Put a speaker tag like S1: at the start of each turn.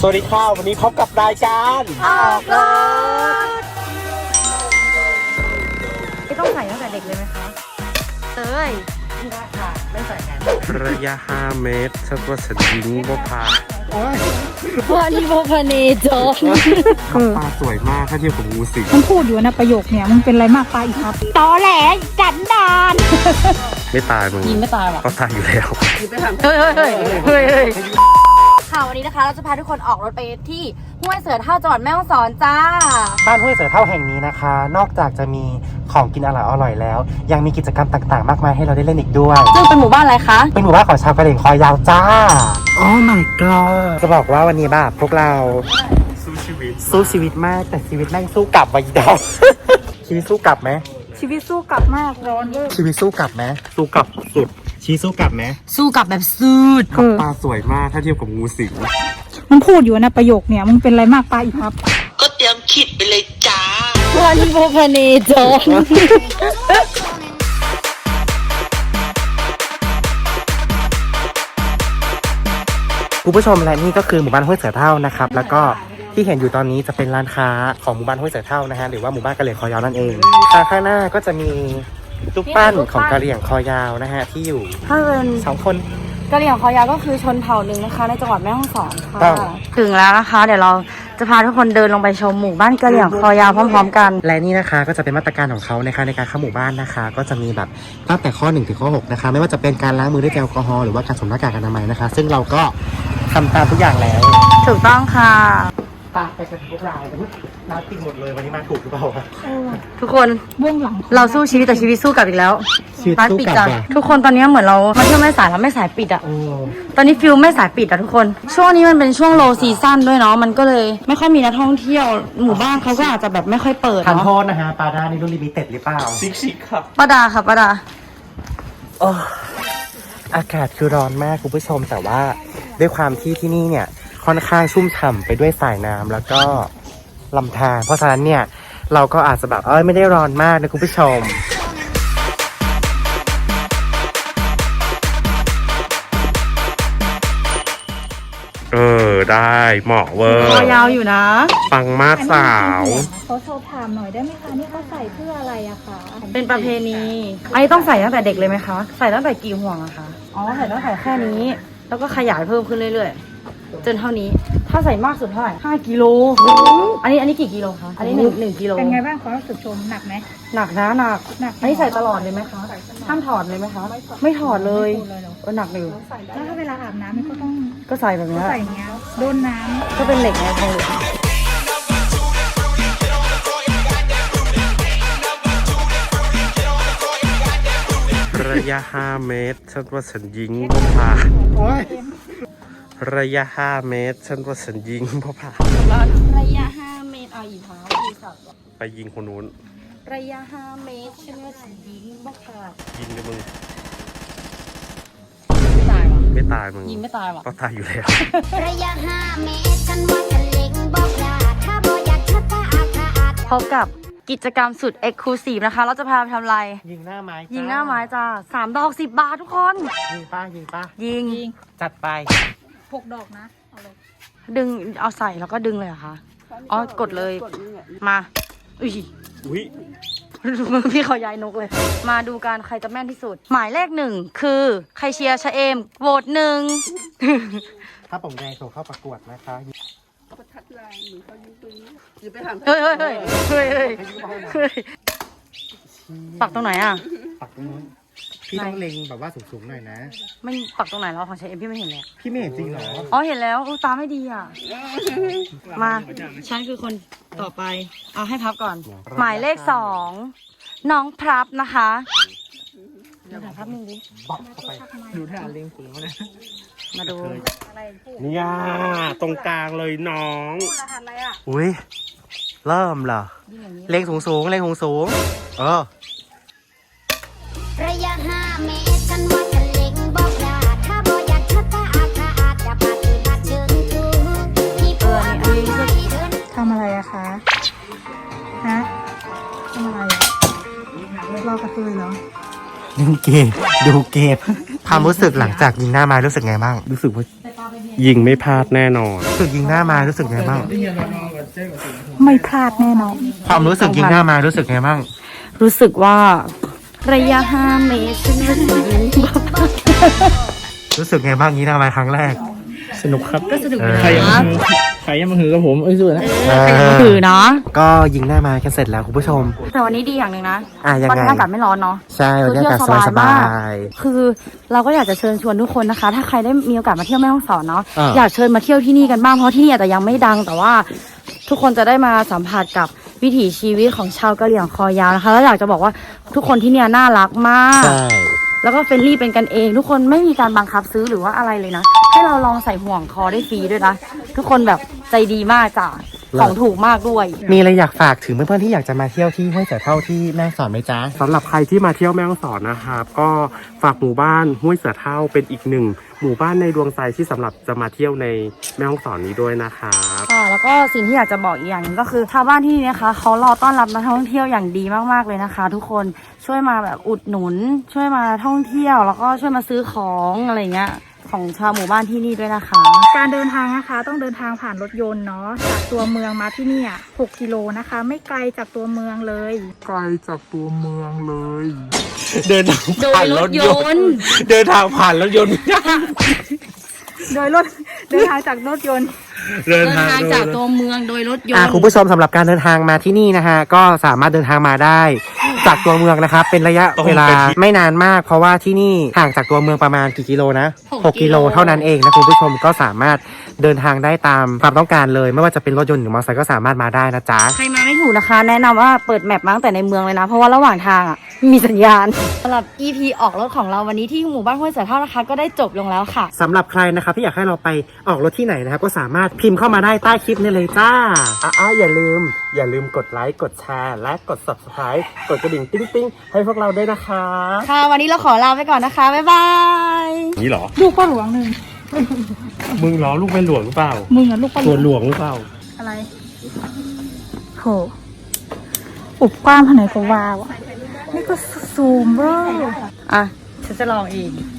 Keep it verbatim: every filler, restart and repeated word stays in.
S1: วัสดีค่ะวันนี้พบกับรายการ
S2: ออกรถไม่ต้องใส่ตั้งแต่เด็กเลยไหมคะเต้ยค่ะไม่ใส่แน่
S1: ระยะห้าเมตรฉันว่าฉันยิงบ่พา
S2: วันนี้โบพาเนจอน
S1: ปลาสวยมากถ้าเทียบกับงูสิง
S3: มันพูดอยู่นะประโยคเนี่ยมึงเป็นอะไรมากปลาอีกครับตอแหลจันดาน
S1: ไม่ตายมึง
S2: ยิงไม่ตายหรอ
S1: ก็ตายอยู่แล้ว
S2: เฮ้ยเฮ้ยเฮ้ยเฮ้ยเฮ้ยค่ะวันนี้นะคะเราจะพาทุกคนออกรถไปที่ห้วยเสือเท่าจังหวัดแม่ฮ่องสอนจ้า
S1: บ้านห้วยเสือเท่าแห่งนี้นะคะนอกจากจะมีของกินอร่อยอร่อยแล้วยังมีกิจกรรมต่างๆมากมายให้เราได้เล่นอีกด้วย
S2: ซึ่งเป็นหมู่บ้านอะไรคะ
S1: เป็นหมู่บ้านของชาวกะเหรี่ยงคอยาวจ้าโอ้ my god จะบอกว่าวันนี้แบบพวกเราสู้ชีวิตสู้ชีวิตมากแต่ชีวิตแม่งสู้กลับไว้ดาวชีวิตสู้กลับไหม
S3: ชีวิตสู้กลับมากร้อนเยอะ
S1: ชีวิตสู้กลับไหมสู้กลับสุดชีสู้กลับไหม
S2: สู้กลับแบบสุด
S1: ปลาสวยมากถ้าเทียบกับงูสิง
S3: มันพูดอยู่นะประโยคเนี่ยมึงเป็นอะไรมากปลาอีกครับ
S4: ก็เตรียมคิดไปเลยจ้า
S2: วันนี้โบพาเนจอน
S1: คุณผู้ชมและนี่ก็คือหมู่บ้านห้วยเสือเท่านะครับแล้วก็ที่เห็นอยู่ตอนนี้จะเป็นร้านค้าของหมู่บ้านห้วยเสือเท่านะฮะหรือว่าหมู่บ้านกะเหรี่ยงคอยาวนั่นเองทางข้างหน้าก็จะมีรูปปั้นของกะเหรี่ยงคอยาวนะฮะที่อยู่
S2: ถ้าเป็น
S1: สองคน
S2: กะเหรี่ยงคอยาวก็คือชนเผ่าหนึ่งนะคะในจังหวัดแม่ฮ่องสอนค่ะถึงแล้วนะคะเดี๋ยวเราจะพาทุกคนเดินลงไปชมหมู่บ้านกะเหรี่ยงคอยาวพร้อมๆกัน
S1: และนี่นะคะก็จะเป็นมาตรการของเขานะคะในการเข้าหมู่บ้านนะคะก็จะมีแบบตั้งแต่ข้อหนึ่งถึงข้อหกนะคะไม่ว่าจะเป็นการล้างมือด้วยแอลกอฮอล์หรือว่าการสวมหน้ากากอนามัยนะคะซึ่งเราก็ทำตามทุกอย่างแล้ว
S2: ถูกต้องค่ะ
S1: ปไปกันพวกเราน้าติดหมดเลยวันนี้มาถูกหรือเปล่า
S2: ทุกคนเบื้องหลังเราสู้ชีวิตแต่ชีวิตสู้กลับอีกแล้วร้านปิดจ้ะทุกคนตอนนี้เหมือนเรามาเที่ยวแม่สายแล้วแม่สายปิดอ่ะตอนนี้ฟิลแม่สายปิดอ่ะทุกคนช่วงนี้มันเป็นช่วงโลซีซั่นด้วยเนาะมันก็เลยไม่ค่อยมีนักท่องเที่ยวหมู่บ้านเขาก็อาจจะแบบไม่ค่อยเปิด
S1: ทานโทษนะฮะปาดานี่รุ่นลิมิเต็ดหรือเปล่าซิกซิกครับ
S2: ปาดาค่ะปาดา
S1: อากาศคือร้อนมากคุณผู้ชมแต่ว่าด้วยความที่ที่นี่เนี่ยค่อนข้างชุ่มฉ่ำไปด้วยสายน้ำแล้วก็ลำธารเพราะฉะนั้นเนี่ยเราก็อาจจะแบบเอ้ยไม่ได้ร้อนมากนะคุณผู้ชมเออได้เหมาะเวอร์
S2: คอยาวอยู่นะ
S1: ปังมากสาว
S3: เขาสอบถามหน่อยได้ไหมคะนี่เขาใส่เพื่ออะไรอะคะ
S2: เป็นประเพณีอันนี้ต้องใส่ตั้งแต่เด็กเลยไหมคะใส่ตั้งแต่กี่ห่วงอะคะอ๋อใส่ตั้งแต่แค่นี้แล้วก็ขยายเพิ่มขึ้นเรื่อยๆจนเท่านี้ถ้าใส่มากสุดเท่าไหร่ห้ากิโลอันนี้อันนี้กี่กิโลคะอันนี้หนึ่งหนึ่งกิโล
S3: เป็นไงบ้างความรู้สึกชมหนักไหม
S2: หนักนะหนักหนักอันนี้ใส่ตลอดเลยไหมคะห้ามถอดเลยไหมคะไม่ถอดเลยเออหนักอยู่
S3: แล้วถ้าเวลาอาบน้ำมันก็ต้อง
S2: ก็ใส่แบบนี้
S3: ใส่เงี้ยโดนน้ำ
S2: ก็เป็นเหล็กไงทองเหลือง
S1: ระยะห้าเมตรฉันว่าฉันยิงบ่พาระยะห้าเมตรฉันว่าฉันยิงบ่พา
S2: ระยะห้าเมตรเอาอีกเท้าอีกสับ
S1: ไปยิงคนนู้น
S2: ระยะห้าเมตรฉันว่าฉันยิงบ่พา
S1: ยิงเลยมึง
S2: ไม่ตายวะ
S1: ไม่ตายมึง
S2: ยิงไม่ตายวะ
S1: ก็ตายอยู่แล้ว
S4: ระยะห้าเมตรฉันว่าฉันเล็งบ่พลาดถ้าบ่อยากชัดตาอาดอาด
S2: พบกับกิจกรรมสุดเอ็กซ์คลูซีฟนะคะเราจะพาไปทำอะไร
S1: ยิงหน้าไม้
S2: ยิงหน้าไม้จ้าสามดอกสิบบาททุกคน
S1: ยิงป้ายิงป้า
S2: ยิง
S1: จัดไป
S3: หกดอกนะเอาเลย
S2: ดึงเอาใส่แล้วก็ดึงเลยเหรอคะอ๋อกดเลยมาอุ้ย
S1: อุ้ย
S2: มือพี่เขาย้ายนกเลยมาดูกันใครจะแม่นที่สุดหมายเลขหนึ่งคือใครเชียร์ชะเอมโหวตหนึ่ง
S1: ถ้าผมแดงส่งเข้าประกวดนะคะ
S4: ประทัดลายหรือเขายิงปืนอย่าไปถาม
S2: เฮ้ยเฮ้ยเฮ้ยเฮ้ยเฮ้ยเฮ้ยปักตรงไหนอ่ะ
S1: ปักตรงนู้นพี่ต้องเล็งแบบว่าสูงๆหน่อยนะ
S2: ไม่ปักตรงไหนแล้วของชายเอ็มพี่ไม่เห็นเลย
S1: พี่ไม่เห็นจริงเหรอ
S2: อ๋อเห็นแล้วตาไม่ดีอ่ะมาฉันคือคนต่อไปเอาให้พับก่อนหมายเลขสองน้องพรับนะคะเดี๋ยวถ่ายภาพนึงดิ
S1: บอกเข้าไปดูท่าเล็งปืนเขาเนี่ย
S2: มาดู
S1: เนี่ยตรงกลางเลยน้องอุ้ยเริ่มเหรอเล็งสูงสูงเล็งสูงสูงเออ
S4: ระยะห้าเมตรฉันว่าฉันเล็งบ่พลาดถ้าบ่อยากชัดตาอาดอาดอย่าพลาดคือพลาดเชิงชูที่เพื่อน
S3: ทำอะไรอะคะฮะทำอะไรรอกระเทยเหรอ
S1: ดูเกมดูเกมความรู้สึกหลังจากยิงหน้าไม้รู้สึกไงบ้างรู้สึกว่า
S5: ยิงไม่พลาดแน่นอน
S1: รู้สึกยิงหน้ามารู้สึกไงบ้าง
S3: ไม่พลาดแน่นอน
S1: ความรู้สึกยิงหน้ามารู้สึกไงบ้าง
S2: รู้สึกว่าระยะห้าเมตรฉันรู้สึก
S1: รู้สึกไงบ้างยิงหน้ามาครั้งแรก
S5: สนุกครับ
S2: ก็สนุก
S1: เออ
S2: นะ
S5: ใครยังมาหือใครยังมาหือกับผมเอ้ยสู้นะ
S2: เออใครจะมาถือเนาะ
S1: ก็ยิงหน้ามากันเสร็จแล้วคุณผู้ชม
S2: แต่วันนี้ดีอย่างหนึ่งนะ
S1: อ่ะยังไง
S2: วันนี้อากาศไม่ร้อนเนาะ
S1: ใช่วันนี้อากาศสบายๆ
S2: คือเราก็อยากจะเชิญชวนทุกคนนะคะ ถ้าใครได้มีโอกาสมาเที่ยวแม่ฮ่องสอนเนาะ
S1: อ่า
S2: อยากเชิญมาเที่ยวที่นี่กันบ้างเพราะที่นี่อาจจะยังไม่ดัง แต่ว่าทุกคนจะได้มาสัมผัสกับวิถีชีวิตของชาวกะเหรี่ยงคอยาวนะคะแล้วอยากจะบอกว่าทุกคนที่เนี่ยน่ารักมาก
S1: ใช่
S2: แล้วก็เฟรนลี่เป็นกันเอง ทุกคนไม่มีการบังคับซื้อหรือว่าอะไรเลยนะ ให้เราลองใส่ห่วงคอได้ฟรีด้วยนะ ทุกคนแบบใจดีมากจ้ะของถูกมากด้วย
S1: มีอะไรอยากฝากถึงเพื่อนๆที่อยากจะมาเที่ยวที่ห้วยเสือเท่าที่แม่ฮ่องสอนไหมจ๊ะ
S5: สำหรับใครที่มาเที่ยวแม่ฮ่องสอนนะครับ ก็ฝากหมู่บ้านห้วยเสือเท่าเป็นอีกหนึ่งหมู่บ้านในดวงใจที่สำหรับจะมาเที่ยวในแม่ฮ่องสอนนี้ด้วยนะครับ
S2: ค่ะแล้วก็สิ่งที่อยากจะบอกอีกอย่างหนึงก็คือชาวบ้านที่นี่นะคะเขารอต้อนรับนักท่องเที่ยวอย่างดีมากๆเลยนะคะ ทุกคนช่วยมาแบบอุดหนุน ช่วยมาท่องเที่ยว แล้วก็ช่วยมาซื้อของอะไรเงี้ยของชาวหมู่บ้านที่นี่ด้วยนะคะ
S3: การเดินทางนะคะต้องเดินทางผ่านรถยนต์เนาะจากตัวเมืองมาที่เนี่ยหกกิโลนะคะ ไม่ไกลจากตัวเมืองเลย
S5: ไกลจากตัวเมืองเลย
S1: เดินทาง
S2: โด
S1: ผ่าย น
S2: ร
S1: ร
S2: ถ
S1: ถ
S2: ย
S1: ย
S2: น
S1: น
S2: ต์
S1: ต์ เดินทางผ่านรถยนต์ไม่ได้
S3: โดยรถ เดินทางจากรถยนต์
S1: เดิน
S2: เดิน
S1: ทาง
S2: ทางจากตัวเมืองโดยรถยน
S1: อ่า
S2: ต์
S1: คุณผู้ชมสำหรับการเดินทางมาที่นี่นะฮะก็สามารถเดินทางมาได้จากตัวเมืองนะครับเป็นระยะเวลาไม่นานมากเพราะว่าที่นี่ห่างจากตัวเมืองประมาณกี่กิโลนะหกกิโลเท่านั้นเองนะคุณผู้ชมก็สามารถเดินทางได้ตามความต้องการเลย ไม่ว่าจะเป็นรถยนต์หรือมอเตอร์ไซค์ก็สามารถมาได้นะจ๊ะ
S2: ใครมาไม่ถูกนะคะ แนะนำว่าเปิดแมปมาตั้งแต่ในเมืองเลยนะ เพราะว่าระหว่างทางอ่ะมีสัญญาณสำหรับ อี พี ออกรถของเราวันนี้ที่หมู่บ้านห้วยเสือเท่านะคะ ก็ได้จบลงแล้วค่ะ
S1: สำหรับใครนะครับที่อยากให้เราไปออกรถที่ไหนนะครับก็สามารถพิมพ์เข้ามาได้ใต้คลิปนี้เลยจ้าอ่าอย่าลืม อย่าลืมกดไลค์กดแชร์และกด ซับสไครบ์ กดกระดิ่งติ๊งติ๊งให้พวกเราด้วยนะคะ
S2: ค่ะ วันนี้เราขอลาไปก่อนนะคะ บ๊ายบาย
S5: นี่เหรอ
S3: ลูกพ่อหลวงหนึ่ง
S5: มึงล้อลูกแม่หลวงหรือเปล่า
S3: มึงอะลูกพ่อหล
S5: ตัว
S3: วง
S5: หลวงหรือเปล่า
S3: อะไรโหอุบกว้างขนาดก็ว้าวอะนี่ก็ซูมเบอร์
S2: อ่ะ ฉันจะลองเอง